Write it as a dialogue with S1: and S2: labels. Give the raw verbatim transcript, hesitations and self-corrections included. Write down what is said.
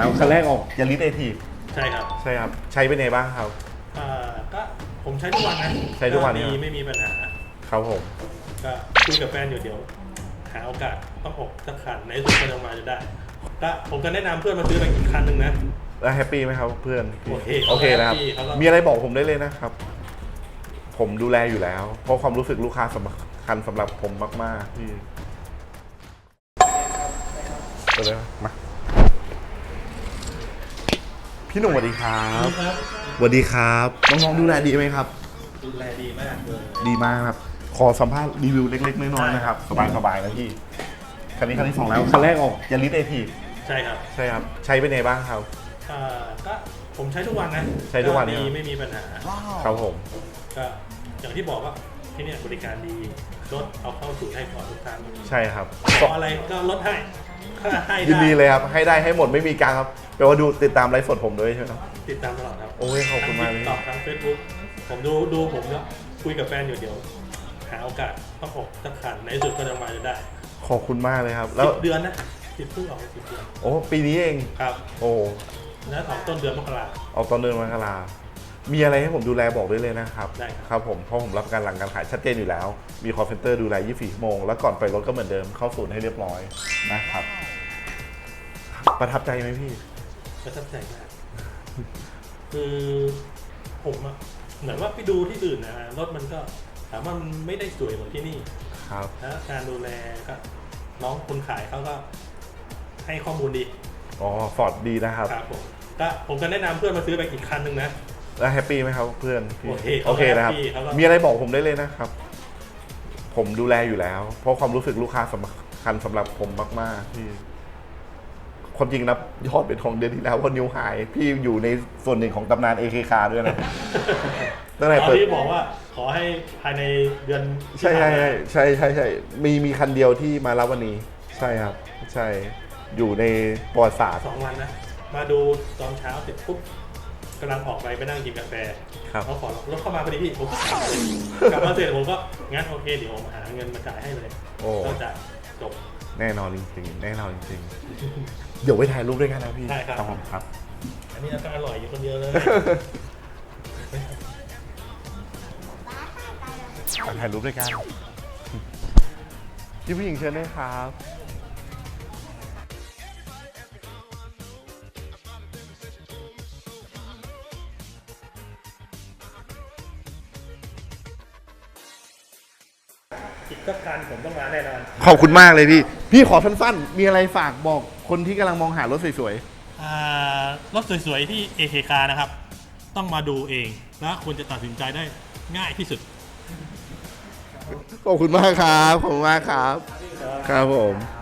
S1: ครับคันแรกออกยาริสเอที
S2: ใช่ครับ
S1: ใช่ครับใช้เป็นไงบ้างครับ
S2: อ่าก็ผมใช้ทุกวันนะ
S1: ใช้ทุกวัน
S2: ดี
S1: เนี่ย
S2: ไม่มีปัญหา
S1: ครับผม
S2: ก็คุยกับแฟนอยู่เดี๋ยวหาโอกาสต้องออกสักคันในสุดก็จะมาจะได้ก็ผมก็แนะนำเพื่อนมาซื้อไปอีกคันหนึ่งนะ
S1: แล้วแฮปปี้ไหมครับเพื่อน
S2: โอเค
S1: โอเคนะครับมีอะไรบอกผมได้เลยนะครับผมดูแลอยู่แล้วเพราะความรู้สึกลูกค้าสำคัญสำหรับผมมากๆที่ไปเลยมาพี่หนุ่มสวัสดีครับสวัสดีครับน้องๆดูแลดีไหมครับ
S2: ดูแลดีมากเลย
S1: ดีมากครับขอสัมภาษณ์รีวิวเล็กๆน้อยๆนะครับสบายๆนะพี่คันนี้คันที่สองแล้วคันแรกออกยาริสเอที
S2: ใช่ครับ
S1: ใช่ครับใช้เป็นไงบ้างครับ
S2: อ่าก็ผมใช้ทุกวันนะ
S1: ใช้ทุกวัน
S2: ดีไม่มีปัญหา
S1: ครับผม
S2: ก็อย่างที่บอกว่าที่นี่บริการดีรถเอาเข้าสู่ให้ก่อนทุกครั้ง
S1: ใช่ครับ
S2: ขออะไรก็ลดให้ให้
S1: ยินดีเลยครับให้ได้ให้หมดไม่มีการครับแปลว่าดูติดตามไลฟ์สดผมด้วยใช่ไหมครับ
S2: ติดตามตลอดครับ
S1: โอ้ยขอบคุณมากเลย
S2: ตอบทางเฟซบุ๊กผมดูดูผมแล้วคุยกับแฟนอยู่เดี๋ยวหาโอกาสต้องออกสักคันในสุดก็จะมาจะได้
S1: ขอบคุณมากเลยครับแล้ว
S2: เดือนนะสิบเพิ่งออกสิบเดือน
S1: โอ้ปีนี้เอง
S2: ครับ
S1: โอ้
S2: แล้วออกต้นเดือนมกรา
S1: ออกต้นเดือนมกรามีอะไรให้ผมดูแลบอกได้เลยนะครับ
S2: ได้
S1: ครับผมเพราะผมรับประกันหลังการขายชัดเจนอยู่แล้วมีคอลเซ็นเตอร์ดูแลยี่สิบสี่ชั่วโมงแล้วก่อนไปรถก็เหมือนเดิมเข้าศูนย์ให้เรียบร้อยนะครับประทับใจไหมพี่
S2: ประทับใจมากคือผมอะเหมือนว่าไปดูที่อื่นนะรถมันก็ถามว่ามันไม่ได้สวยเหมือนที่นี่
S1: ครับ
S2: แล้วการดูแลก็น้องคนขายเขาก็ให้ข้อมูลดี
S1: อ๋อฟอร์ดดีนะครับ
S2: ครับผมก็ผมก็แนะนำเพื่อนมาซื้อไปอีกคันหนึ่งนะ
S1: แล้วแฮปปี้ไหมครับเพื่อน
S2: โอเค
S1: โอเคนะครับมีอะไรบอกผมได้เลยนะครับผมดูแลอยู่แล้วเพราะความรู้สึกลูกค้าสำคัญสำหรับผมมากๆที่ความจริงนะยอดเป็นของเดือนที่แล้วว่านิวไฮพี่อยู่ในส่วนหนึ่งของตำนาน เอ เค คาร์ ด้วยนะ
S2: ตั้งแต่เปิดที่บอกว่าขอให้ภายในเดือน
S1: ใช่ใช่ใช่ใช่ใช่มีมีคันเดียวที่มารับวันนี้ใช่ครับใช่อยู่ในประวัติศาสตร์
S2: สองวันนะมาดูตอนเช้าเสร็จปุ๊บกำลังออกไปไปนั่งกินกาแฟเขาขอรถเข้ามาพอดีพี่ผมกลับมาเสร็จผมก็งั้นโอเคเดี๋ยวผมหาเงินมาจ่ายให้เลยก็จะจบ
S1: แน่นอนจริงๆแน่นอนจริงๆเดี๋ยวไปถ่ายรูปด้วยกันนะพี่
S2: ใช่ครับ
S1: ผมครับ
S2: อันนี้ก็อร่อยอยู่คนเดียวเลย
S1: ถ่ายรูปด้วยกันพี่ผู้หญิงเชิญด้วยครับ
S2: อีกสักการผมต้องมาแน่นอน
S1: ขอบคุณมากเลยพี่พี่ขอสั้นๆมีอะไรฝากบอกคนที่กำลังมองหารถสวย
S2: ๆรถสวยๆที่ เอ เค คาร์ นะครับต้องมาดูเองและควรจะตัดสินใจได้ง่ายที่สุด
S1: ขอบคุณมากครับขอบคุณมากครับครับผม